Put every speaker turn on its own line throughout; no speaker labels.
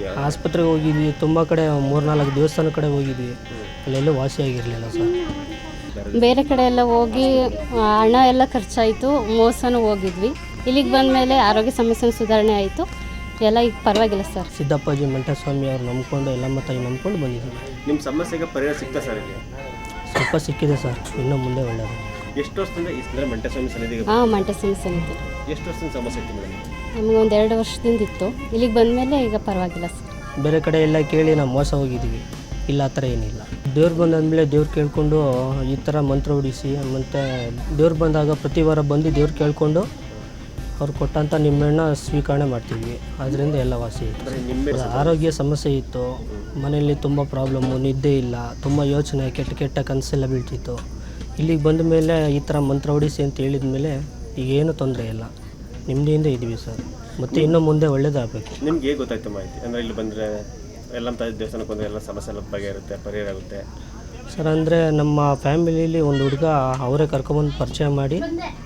ಹೋಗಿದ್ಯಾ?
ಆಸ್ಪತ್ರೆಗೆ ಹೋಗಿದ್ವಿ, ತುಂಬ ಕಡೆ 3-4 ದೇವಸ್ಥಾನ ಕಡೆ ಹೋಗಿದ್ವಿ, ಅಲ್ಲೆಲ್ಲೂ ವಾಸಿಯಾಗಿರಲಿಲ್ಲ ಸರ್.
ಬೇರೆ ಕಡೆ ಎಲ್ಲ ಹೋಗಿ ಹಣ ಎಲ್ಲ ಖರ್ಚಾಯಿತು, ಮೋಸನೂ ಹೋಗಿದ್ವಿ. ಇಲ್ಲಿಗೆ ಬಂದ ಮೇಲೆ ಆರೋಗ್ಯ ಸಮಸ್ಯೆ ಸುಧಾರಣೆ ಆಯಿತು, ಎಲ್ಲ ಈಗ ಪರವಾಗಿಲ್ಲ ಸರ್.
ಸಿದ್ದಪ್ಪಾಜಿ ಮಂಟಸ್ವಾಮಿ ಅವ್ರು ನಂಬ್ಕೊಂಡು ಎಲ್ಲಮ್ಮ ತಾಯಿ ನಂಬ್ಕೊಂಡು ಬಂದಿದ್ದೀವಿ.
ನಿಮ್ಮ ಸಮಸ್ಯೆಗೆ ಪರಿಹಾರ ಸಿಗ್ತಾ ಸರ್ ಇಲ್ಲಿ?
ಸ್ವಲ್ಪ ಸಿಕ್ಕಿದೆ ಸರ್, ಇನ್ನೂ ಮುಂದೆ ಒಳ್ಳೆಯದು.
ಎಷ್ಟು ವರ್ಷದಿಂದ ಈ ಮಂಟಸ್ವಾಮಿ ಸನ್ನಿಧಿಗೆ
ಮಂಟಸ್ವಾಮಿ ಸಮಿತಿ
ಎಷ್ಟು ವರ್ಷದಿಂದ ಸಮಸ್ಯೆ ಇತ್ತು ಮೇಡಮ್?
ನಮಗೆ ಒಂದು 2 ವರ್ಷದಿಂದ ಇತ್ತು, ಇಲ್ಲಿಗೆ ಬಂದ ಮೇಲೆ ಈಗ ಪರವಾಗಿಲ್ಲ ಸರ್.
ಬೇರೆ ಕಡೆ ಎಲ್ಲ ಕೇಳಿ ನಾವು ಮೋಸ ಹೋಗಿದ್ದೀವಿ, ಇಲ್ಲ ಆ ಥರ ಏನಿಲ್ಲ. ದೇವ್ರು ಬಂದಾದಮೇಲೆ ದೇವ್ರು ಕೇಳಿಕೊಂಡು ಈ ಥರ ಮಂತ್ರ ಹೊಡಿಸಿ, ಮತ್ತು ದೇವ್ರು ಬಂದಾಗ ಪ್ರತಿ ವಾರ ಬಂದು ದೇವ್ರು ಕೇಳಿಕೊಂಡು ಅವ್ರು ಕೊಟ್ಟಂಥ ನಿಂಬೆಹಣ್ಣ ಸ್ವೀಕರಣೆ ಮಾಡ್ತೀವಿ, ಅದರಿಂದ ಎಲ್ಲ ವಾಸಿ ಇತ್ತು. ಆರೋಗ್ಯ ಸಮಸ್ಯೆ ಇತ್ತು, ಮನೆಯಲ್ಲಿ ತುಂಬ ಪ್ರಾಬ್ಲಮ್ಮು, ನಿದ್ದೆ ಇಲ್ಲ, ತುಂಬ ಯೋಚನೆ, ಕೆಟ್ಟ ಕನಸೆಲ್ಲ ಬೀಳ್ತಿತ್ತು. ಇಲ್ಲಿಗೆ ಬಂದ ಮೇಲೆ ಈ ಥರ ಮಂತ್ರ ಹೊಡಿಸಿ ಅಂತ ಹೇಳಿದ ಮೇಲೆ ಈಗೇನು ತೊಂದರೆ ಇಲ್ಲ, ನೆಮ್ಮದಿಯಿಂದ ಇದ್ದೀವಿ ಸರ್. ಮತ್ತು ಇನ್ನೂ ಮುಂದೆ ಒಳ್ಳೇದಾಗಬೇಕು.
ನಿಮ್ಗೆ ಹೇಗೆ ಗೊತ್ತಾಯ್ತು ಮಾಹಿತಿ? ಅಂದರೆ ಇಲ್ಲಿ ಬಂದರೆ ಎಲ್ಲ ದೇವಸ್ಥಾನಕ್ಕೆ ಬಂದರೆ ಎಲ್ಲ ಸಮಸ್ಯೆ ಎಲ್ಲ ಬಗೆಹರುತ್ತೆ, ಪರಿಹಾರ ಆಗುತ್ತೆ
ಸರ್? ಅಂದರೆ ನಮ್ಮ ಫ್ಯಾಮಿಲಿಯಲ್ಲಿ ಒಂದು ಹುಡುಗ ಅವರೇ ಕರ್ಕೊಂಬಂದು ಪರಿಚಯ ಮಾಡಿ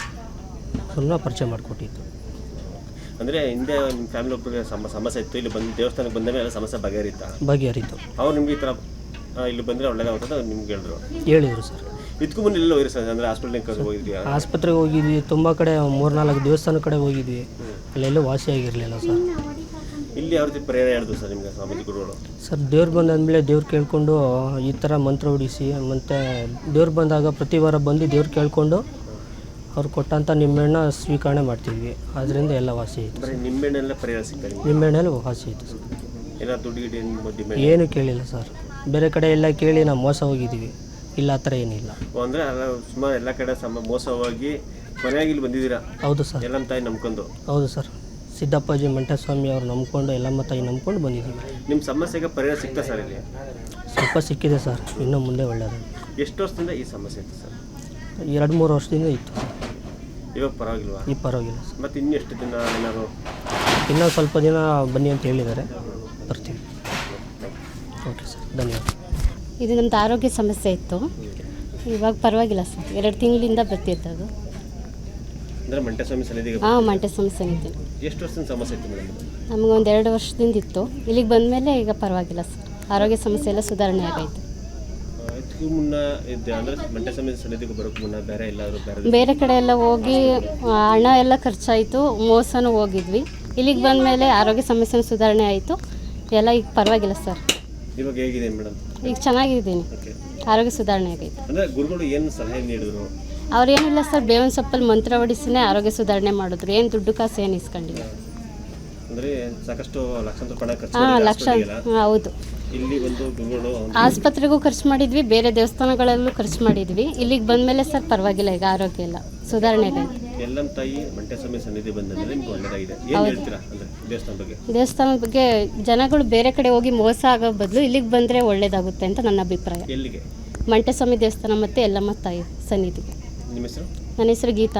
ಪರಿಚಯ ಮಾಡಿಕೊಟ್ಟಿದ್ದು.
ಅಂದರೆ ಹಿಂದೆ ನಿಮ್ಮ ಫ್ಯಾಮಿಲಿ ಒಬ್ಬರಿಗೆ ಸಮಸ್ಯೆ ಇತ್ತು, ಇಲ್ಲಿ ಬಂದು ದೇವಸ್ಥಾನಕ್ಕೆ ಬಂದ ಮೇಲೆ ಎಲ್ಲ ಸಮಸ್ಯೆ ಬಗೆಹರಿತು. ಅವ್ರು ನಿಮ್ಗೆ ಈ ಥರ ಇಲ್ಲಿ ಬಂದರೆ ಒಳ್ಳೆಯದಾಗುತ್ತೆ ನಿಮ್ಗೆ
ಹೇಳಿದರು ಸರ್.
ಇದಕ್ಕೂ ಮುಂದೆ ಎಲ್ಲ ಹೋಗಿರಿ ಸರ್? ಅಂದರೆ ಹಾಸ್ಪಿಟ್ಲಿಗೆ ಹೋಗಿದ್ಯಾ?
ಆಸ್ಪತ್ರೆಗೆ ಹೋಗಿದ್ವಿ, ತುಂಬ ಕಡೆ 3-4 ದೇವಸ್ಥಾನ ಕಡೆ ಹೋಗಿದ್ವಿ, ಅಲ್ಲೆಲ್ಲೂ ವಾಸಿಯಾಗಿರಲಿಲ್ಲ ಸರ್.
ಇಲ್ಲಿ ಯಾವ ರೀತಿ ಪರಿಹಾರ ಹೇಳಿದ್ರು ಸರ್ ನಿಮಗೆ ಸ್ವಾಮೀಜಿ ಗುರುಗಳು?
ಸರ್, ದೇವ್ರು ಬಂದಾದಮೇಲೆ ದೇವ್ರು ಕೇಳಿಕೊಂಡು ಈ ಥರ ಮಂತ್ರ ಹೊಡಿಸಿ, ಮತ್ತು ದೇವ್ರು ಬಂದಾಗ ಪ್ರತಿ ವಾರ ಬಂದು ದೇವ್ರು ಕೇಳಿಕೊಂಡು ಅವ್ರು ಕೊಟ್ಟಂಥ ನಿಂಬೆಹಣ್ಣ ಸ್ವೀಕರಣೆ ಮಾಡ್ತೀವಿ, ಅದರಿಂದ ಎಲ್ಲ ವಾಸಿ ಇತ್ತು.
ನಿಂಬೆಹಣ್ಣೆಲ್ಲ ಪರಿಹಾರ ಸಿಗ್ತದೆ?
ನಿಂಬೆಹಣ್ಣೆಲ್ಲ ವಾಸಿ ಇತ್ತು ಸರ್.
ಎಲ್ಲ ದುಡ್ಡು
ಏನು ಕೇಳಿಲ್ಲ ಸರ್. ಬೇರೆ ಕಡೆ ಎಲ್ಲ ಕೇಳಿ ನಾವು ಮೋಸ ಹೋಗಿದ್ದೀವಿ, ಇಲ್ಲ ಆ ಥರ ಏನಿಲ್ಲ.
ಅಂದರೆ ಸುಮಾರು ಎಲ್ಲ ಕಡೆ ಮೋಸವಾಗಿ ಕೊನೆಯಾಗಿ ಇಲ್ಲಿ ಬಂದಿದ್ದೀರಾ?
ಹೌದು ಸರ್.
ಎಲ್ಲಮ್ಮ ತಾಯಿ ನಂಬ್ಕೊಂಡು?
ಹೌದು ಸರ್. ಸಿದ್ದಪ್ಪಾಜಿ ಮಂಟಸ್ವಾಮಿ ಅವ್ರು ನಂಬ್ಕೊಂಡು ಎಲ್ಲಮ್ಮ ತಾಯಿ ನಂಬ್ಕೊಂಡು ಬಂದಿದ್ದೀವಿ.
ನಿಮ್ಮ ಸಮಸ್ಯೆಗೆ ಪರಿಹಾರ ಸಿಗ್ತಾ ಸರ್ ಇಲ್ಲಿ?
ಸ್ವಲ್ಪ ಸಿಕ್ಕಿದೆ ಸರ್, ಇನ್ನೂ ಮುಂದೆ ಒಳ್ಳೆಯದು.
ಎಷ್ಟು ವರ್ಷದಿಂದ ಈ ಸಮಸ್ಯೆ ಇತ್ತು ಸರ್?
2-3 ವರ್ಷದಿಂದ ಇತ್ತು.
ಇವಾಗ ಪರವಾಗಿಲ್ವಾ?
ಈಗ ಪರವಾಗಿಲ್ಲ ಸರ್.
ಮತ್ತು ಇನ್ನೆಷ್ಟು ದಿನ ಏನಾದ್ರು?
ಇನ್ನೂ ಸ್ವಲ್ಪ ದಿನ ಬನ್ನಿ ಅಂತ ಹೇಳಿದ್ದಾರೆ, ಬರ್ತೀವಿ. ಓಕೆ ಸರ್, ಧನ್ಯವಾದ.
ಇದು ನಮ್ಮದು ಆರೋಗ್ಯ ಸಮಸ್ಯೆ ಇತ್ತು, ಇವಾಗ ಪರವಾಗಿಲ್ಲ ಸರ್. 2 ತಿಂಗಳಿಂದ ಬರ್ತಿತ್ತು ಅದು.
ಅಂದರೆ ಮಂಟಸ್ವಾಮಿ ಸನ್ನಿಧಿಗೆ?
ಮಂಟಸ್ವಾಮಿ ಸನ್ನಿಧಿ.
ಎಷ್ಟು ವರ್ಷದಿಂದ ಸಮಸ್ಯೆ ಇತ್ತು ಮೇಡಮ್?
ನಮಗೆ ಒಂದು 2 ವರ್ಷದಿಂದ ಇತ್ತು, ಇಲ್ಲಿಗೆ ಬಂದ ಮೇಲೆ ಈಗ ಪರವಾಗಿಲ್ಲ ಸರ್. ಆರೋಗ್ಯ ಸಮಸ್ಯೆ ಎಲ್ಲ ಸುಧಾರಣೆ ಆಗೈತೆ.
ಇದಕ್ಕೂ ಮುನ್ನ ಇದೆ ಅಂದರೆ ಮಂಟಸ್ವಾಮಿ ಸನ್ನಿಧಿಗೆ ಬರೋಕ್ಕೆ ಮುನ್ನ
ಬೇರೆ ಕಡೆ ಎಲ್ಲ ಹೋಗಿ ಹಣ ಎಲ್ಲ ಖರ್ಚಾಯಿತು, ಮೋಸನೂ ಹೋಗಿದ್ವಿ. ಇಲ್ಲಿಗೆ ಬಂದ ಮೇಲೆ ಆರೋಗ್ಯ ಸಮಸ್ಯೆ ಸುಧಾರಣೆ ಆಯಿತು, ಎಲ್ಲ ಈಗ ಪರವಾಗಿಲ್ಲ ಸರ್.
ಇವಾಗ ಹೇಗಿದೆ ಮೇಡಮ್?
ಈಗ ಚೆನ್ನಾಗಿದ್ದೀನಿ, ಆರೋಗ್ಯ ಸುಧಾರಣೆ ಆಗೈತೆ.
ಅಂದರೆ ಗುರುಗಳು ಏನು ಸಲಹೆ ನೀಡಿದ್ರು?
ಅವ್ರೇನಿಲ್ಲ ಸರ್, ಬೇವಿನ ಸೊಪ್ಪಲ್ಲಿ ಮಂತ್ರ ಹೊಡಿಸಿನೇ ಆರೋಗ್ಯ ಸುಧಾರಣೆ ಮಾಡಿದ್ರು, ಏನು ದುಡ್ಡು ಕಾಸು ಏನು ಇಸ್ಕೊಂಡಿಲ್ಲ.
ಅಂದರೆ ಸಾಕಷ್ಟು ಲಕ್ಷಾಂತರ ರೂಪಾಯಿ ಖರ್ಚು.
ಹೌದು.
ಇಲ್ಲಿ ಒಂದು ಗುರುಗಳು
ಆಸ್ಪತ್ರೆಗೂ ಖರ್ಚು ಮಾಡಿದ್ವಿ, ಬೇರೆ ದೇವಸ್ಥಾನಗಳಲ್ಲೂ ಖರ್ಚು ಮಾಡಿದ್ವಿ. ಇಲ್ಲಿಗೆ ಬಂದ ಮೇಲೆ ಸರ್ ಪರವಾಗಿಲ್ಲ, ಈಗ ಆರೋಗ್ಯ ಎಲ್ಲ ಸುಧಾರಣೆ ಆಗೈತೆ.
ಎಲ್ಲಮ್ಮ ತಾಯಿ ಮಂಟಸ್ವಾಮಿ ಸನ್ನಿಧಿ ಬಂದ ಮೇಲೆ ನಿಮ್ಗೆ ಒಳ್ಳೆಯದಾಗಿದೆ. ಏನು ಹೇಳ್ತೀರಾ ಅಂದರೆ ದೇವಸ್ಥಾನದ ಬಗ್ಗೆ?
ಜನಗಳು ಬೇರೆ ಕಡೆ ಹೋಗಿ ಮೋಸ ಆಗೋ ಬದಲು ಇಲ್ಲಿಗೆ ಬಂದರೆ ಒಳ್ಳೇದಾಗುತ್ತೆ ಅಂತ ನನ್ನ ಅಭಿಪ್ರಾಯ.
ಎಲ್ಲಿಗೆ?
ಮಂಟಸ್ವಾಮಿ ದೇವಸ್ಥಾನ ಮತ್ತು ಎಲ್ಲಮ್ಮ ತಾಯಿ ಸನ್ನಿಧಿಗೆ.
ನಿಮ್ಮ ಹೆಸರು?
ನನ್ನ ಹೆಸರು ಗೀತಾ.